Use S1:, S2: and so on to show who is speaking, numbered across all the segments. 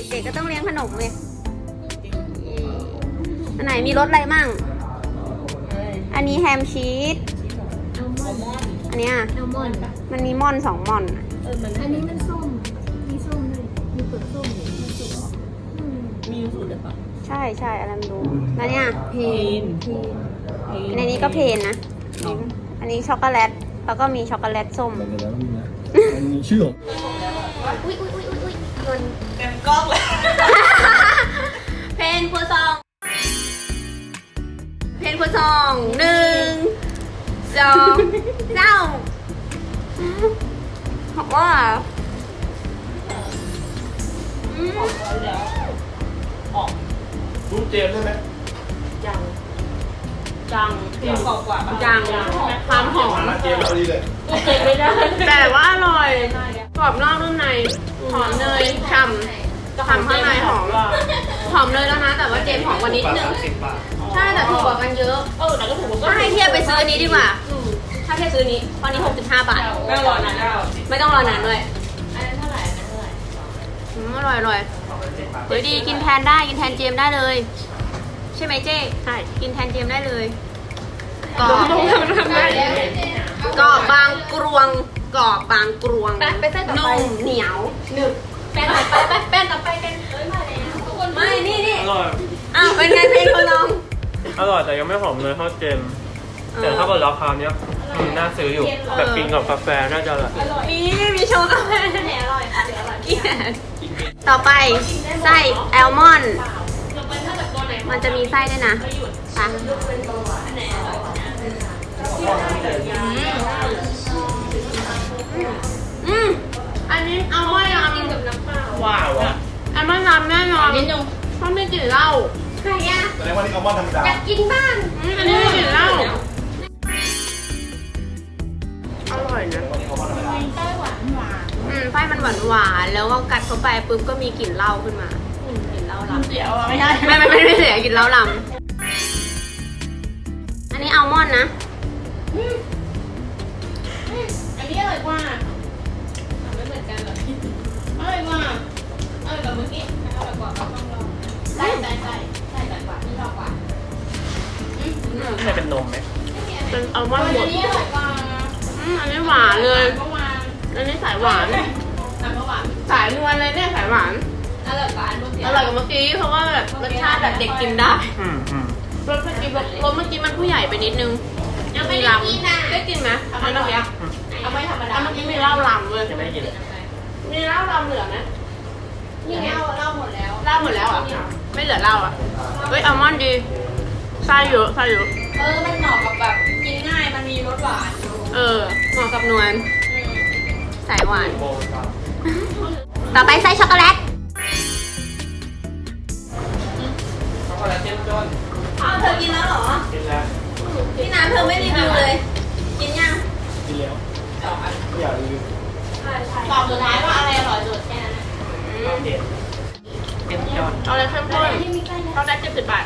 S1: เด็กๆก็ต้องเลี้ยงขนมเลยอันไหนมีรสอะไรมั่งอันนี้แฮมชีสอันเนี้ย
S2: แอลมอนด์
S1: มันมีม่อน2ม่อนอะ
S2: อันนี้มันส้มมีส้มด้วยมีเปลือกส้มอยู่มันสุกมีสูตรหรือเปล่า
S1: ใช่ใช่อะไรไม่รู้แล้วเนี่ย
S2: เพน
S1: ในนี้ก็เพนนะอันนี้ช็อกโกแลตแล้วก็มีช็อกโกแลตส้ม
S3: อะไรกันแล้วนี่นะมันมีชื่อของ
S1: อุ้ยโดน
S4: เต็มกล้องเลย
S1: เพนครัวซอง1 2 3บอกว่า
S3: รูปเจมส์ใช่ไหม
S4: จัง
S1: จัง
S4: เต็มกว่ากว่า
S1: จังความหอม
S3: เจมส์เอาดีเลย
S4: เต็มไม่ได้
S1: แต่ว่าอร่อยกรอบนอกนุ่มในหอมเนยฉ่ำข้างในหอมเลยแล้วนะแต่ว่าเจมส์หอมกว่านิดนึงใช่แต่ถูกกว่ากันเยอะ
S4: แต่ก็ถูก
S1: ถ้าให้เทียบไปซื้ออันนี้ดีกว่าถ้าเทียบซื้อนี้ตอนนี้65 บาท
S4: ไม่รอนานแล้ว
S1: ไม่ต้องรอนานด้วย
S4: อันนั้นเท่าไหร่อันนั้นเท่าไหร่
S1: อร่อยเฮ้ยดีกินแทนได้กินแทนเจมส์ได้เลย ใช่ไหมเจ๊ใช่กินแทนเจมส์ได้เลยกรอบบางกรวงกรอบบางกรวง
S4: ไปเส้นต่อไป
S1: นุ่มเหนียวหนึบ
S4: แป้งต่อไปแป้งต่อไปเป็นมาแล้วทุกคน
S1: ไม่นี่
S5: อร่อย
S1: อ้าวเป็นไงเพลงคนลอง
S5: อร่อยแต่ยังไม่หอมเลยเท่าเจม แต่ถ้าเกิดราคาเนี้ยน่าซื้ออยู่ แบบกินกับกาแฟน่าจะอร่อย
S1: มีโชว์กาแฟ
S4: อันไหนอร่อยคะหรืออร่อย
S1: เกลียดต่อไปไส้แอลมอนด์
S4: ยกเว้นถ้าแบบตัวไหน
S1: มันจะมีไส้ด้วยนะไป
S4: อันไหนอร่อย
S1: อันนี้เอาไม่ยำ
S4: กินกับน้ำเปล่า
S5: ว้าวอ่ะ
S1: อันไม่ยำแน่นอน
S4: นิดนึง
S1: เพราะไม่กลิ่นเหล้า
S4: ใครอ่ะ
S3: แสดงว่านี่อัลมอนด์ธรรมดา
S4: อยากกินบ้าน
S1: อันนี้ไม่กลิ่นเหล้าอร่อยนะ
S4: ไส้หวาน
S1: ไส้มันหวานแล้วก็กัดเข้าไปปุ๊บก็มีกลิ่นเหล้าขึ้นมา
S4: กินเหล้าลำเดี๋ยวไม่ใช่
S1: ไม่เสียกลิ่นเหล้าลำอันนี้อัลมอนด์นะ
S4: อันนี้อร่อยกว่าไม่เหมือนกันเหรออร่อยกว่าอร่อยกว่าเมื่อกี้อร่อยกว่าต้องลองใส่อร่อยกว่าที่ชอบกว่า
S5: ใช่เป็นนมไหม
S1: เป็นอัลมอนด์หม
S4: อั
S1: ด
S4: นนี้อร่อยกว่า
S1: อันนี้หวานเลย
S4: เมื่อวาน
S1: อันนี้สายหวาน
S4: เมื่อวาน
S1: สายนวลเลยเนี่ยสายหวาน
S4: อร่อยกว่าอันเมื่อกี้
S1: อร่อยกว่าเมื่อกี้เพราะว่าแบบรสชาติแบบเด็กกินได้
S5: อืม
S1: รสเมื่อกี้มันผู้ใหญ่ไปนิดนึง
S4: ยังไม่ได้กินนะ
S1: ได้กินไหมอันเมื่อกี้
S4: เอาไม่ธรรมดา
S1: อันเมื่อกี้มีเหล้าลำเลย
S5: ยังไม่ได้กินเลย
S1: มีเหล้าลำเหลือไหม
S4: นี่ไงเล่าหมดแล้ว
S1: เหล้าหมดแล้วอ่ะไม่เหลือเหล้าอ่ะเฮ้ยอัลมอนด์ดีไส้เยอะ
S4: มันเหมาะกับแบบกินง่ายมันมีรสหวาน
S1: เหมาะกับนวลสายหวาน ต่อไปไส้ช็อกโกแลต
S5: ช็อกโกแลตเจมจน
S1: อ้าวเธอกินแล้วเหรอ
S5: กินแล้ว
S1: พี่น้ำเธอไม่รีวิวเลย กินยัง
S3: กินแล้วไม่อยากรีวิว
S4: ตอบสุดท้ายว่าอะไรอร่อยสุดแค่นั้น
S5: ข้าวเด็ดเจมจน
S1: เอาเลยเข้มข้นเอาได้70 บาท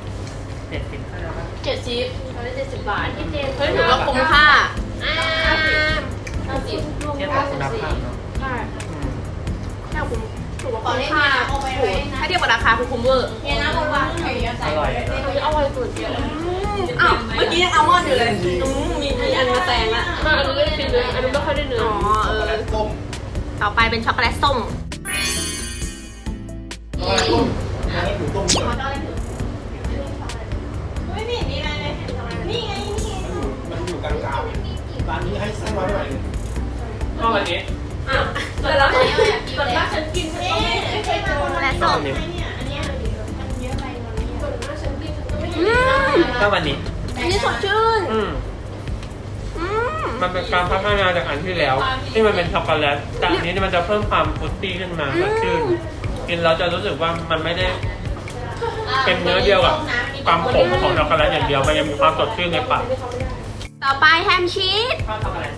S5: 75
S1: 70
S4: เขาได้70 บาทที่เจน
S1: เฮ้ยถือว่าคุ้มค่า
S4: 90
S5: เทียบกับคุณภาพเนาะ
S1: ใช่
S5: อืม
S1: แค่คุ้มถือว่า
S4: ขอ
S1: คุ้ม
S4: เล่น
S1: ค่า
S4: น้ำเอาไปไว้นะ
S1: ถ้าเทียบกับราคาคือคุ้มเวอร์
S4: เฮียน้ำเอาวางไข่ใส่
S5: อร่อย
S1: อร่อยสุดอ้าวเมื่อกี้ยังอัลมอนด์อยู่เลยมีอันมาแซงละ
S4: อันนี้ไม่ได้กินเลยอันนี้ไม่ค่อยได้เนื้อ
S1: อ๋อ
S3: ช็อกโกแลตต้ม
S1: ต่อไปเป็นช็อกโกแลตส้ม
S3: ช็อกโกแลตต้มช็อกโกแลตหมูต้มเลย
S4: ไม่เห็นมีอะไรเลยนี่ไงนี่
S3: มันอยู่กลางๆร้านนี้ให้ไส้มาเท่าไหร่เนี่ย
S5: ก็วันนี้
S1: แล้ว
S4: ส่วนมากฉันกินไม่เคยมา
S1: ช็อกโกแลตส้ม
S4: เนี่ยอันนี้มันเยอะไปวันนี้ส่วนมากฉันกินฉันก็ไม่
S5: ก็วันนี้
S1: อันนี้สดชื่น
S5: มันเป็นการพัฒนาจากอันที่แล้ว ที่มันเป็นช็อกโกแลตแต่อันนี้มันจะเพิ่มความฟรุตตี้ขึ้นมาสดชื่นกินแล้วจะรู้สึกว่ามันไม่ได้เป็นเนื้อเดียวกับความขมของช็อกโกแลตอย่างเดียวมันยังมีความสดชื่นในปาก
S1: ต่อไปแฮมชีส
S5: ชอบช็อกโกแลต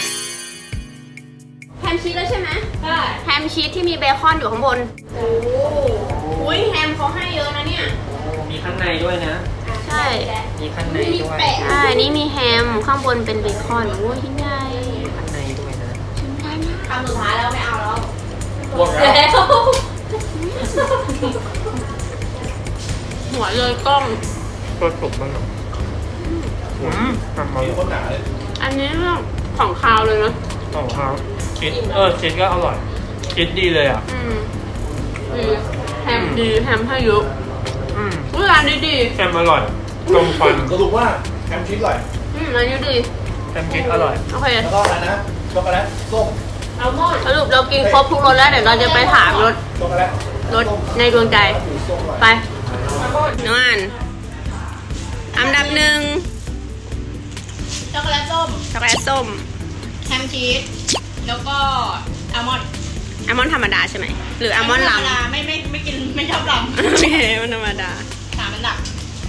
S1: แฮมชีสแล้วใช่ไหม
S4: ใช่
S1: แฮมชีสที่มีเบคอนอยู่ข้างบน โอ้โหแฮมเขาให้เยอะนะเนี่ย
S5: มีข้างในด้วยนะ
S1: ใช่
S5: มีข้างในด้วย
S1: ใช่นี่มีแฮมข้างบนเป็นเบคอนโอ้ยชิ้นใหญ่
S5: มีข้างในด้วยนะ
S1: ชิ้นใหญ่มาก
S4: คำสุดท้ายแล้วไม่เอาแล้ว
S5: พวกเรา
S4: แล้ว
S1: หัวเลยกล้อง
S5: ตัวสุกมันแบบทำมา
S3: มีคนหนาเลย
S1: อันนี้เรื่องของคาวเลยนะ
S5: ของเขาชีสชีสก็อร่อยชีสดีเลยอ่ะ
S1: ดีแฮมดีแฮมให้เยอะ
S5: อืม
S1: อุ๊ยร้านนี้ดี
S5: แฮมอร่อยตรงฟัน
S3: สรุปว่าแฮมชีสอร่อย
S1: ร้านนี้ดี
S5: แฮมชีสอร่อย
S1: โอเค
S3: แล้วก็อะไรนะช็อกโกแลตส้ม
S4: อัลมอนด์
S1: สรุปเรากินครบทุกรสแล้วเดี๋ยวเราจะไปถามรส
S3: ช็อกโกแลต
S1: รสในดวงใจ
S3: ส้มอร่อย
S1: ไปน้องอ่านอันดับหนึ่ง
S4: ช็อกโกแลตส้ม
S1: ช็อกโกแลตส้ม
S4: แฮมชีสแล้วก็อัลมอนด์
S1: อัลมอนด์ธรรมดาใช่ไหมหรืออัลมอนด์ลำ
S4: ธรรมดาไม่กินไม่ชอบล
S1: โอเคมันธรรมดา
S4: ำ3 อันดับ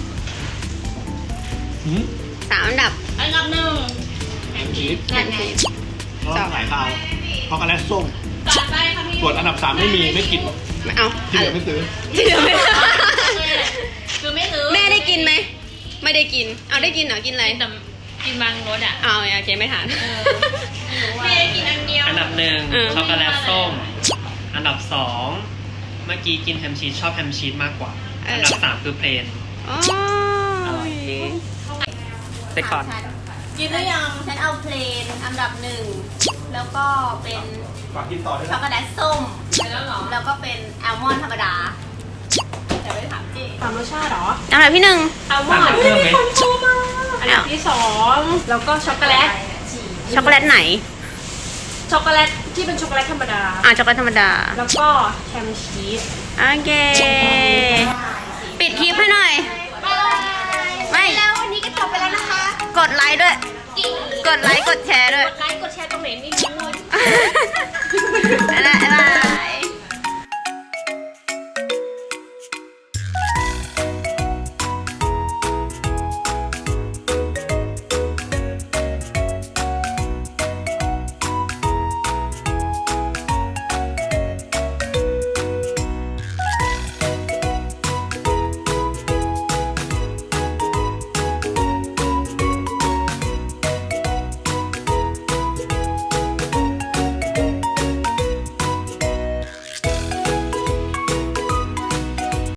S1: 3 อันดับ
S4: อันดับหนึ่ง
S3: แฮมชีส
S1: แฮมชีส
S3: แล้วก็สายขาวช็อกโกแลตส้ม
S4: จัดไปค่ะพี่
S3: ส่วนอันดับ 3 ไม่มีไม่กิน
S1: ไม่เอา
S3: ที่เหลือไม่ซื้อ
S1: ที่เหลือไม่
S4: คือไม่ซื้อ
S1: แม่ได้กินไหมไม่ได้กินเอาได้กินเหรอกินอะไร
S4: แต่กินบางรสอ่ะ
S1: เอาโอเคไม่ทาน
S4: แม่ได้กินอันเดียว
S5: อันดับหนึ่ง
S1: เออ
S5: ช็อกโกแลตส้ม อันดับสองเมื่อกี้กินแฮมชีสชอบแฮมชีสมากกว่า อันดับสามคือเพลน
S1: อ๋อโอเค
S5: เซ็กคอน
S4: กินหรือยัง
S2: ฉันเอาเพลนอันดับหนึ่งแล้วก็เป็น
S3: ฝากกินต่อด้วย
S2: ช็อ
S3: นะ
S2: กโกแลตส้ม
S4: ไปแล้วเหรอ
S2: แล้วก็เป็นอัลมอนด์ธรรมดา แต่ไม่ได้ถามเจ๊
S4: ตามรสชาติเหรอ
S1: อันดับที่หนึ่ง
S4: อัลม
S5: สั่
S4: อง นด์
S5: เพิ่มไหม
S4: อันดับที่2แล้วก็ช็อกโกแลต
S1: ช็อกโกแลตไหน
S4: ช็อกโกแลตที่เป็นช็อกโกแลตธรรมดา
S1: ช็อกโกแลตธรรมดา
S4: แล้วก็แฮมชีส
S1: โอเค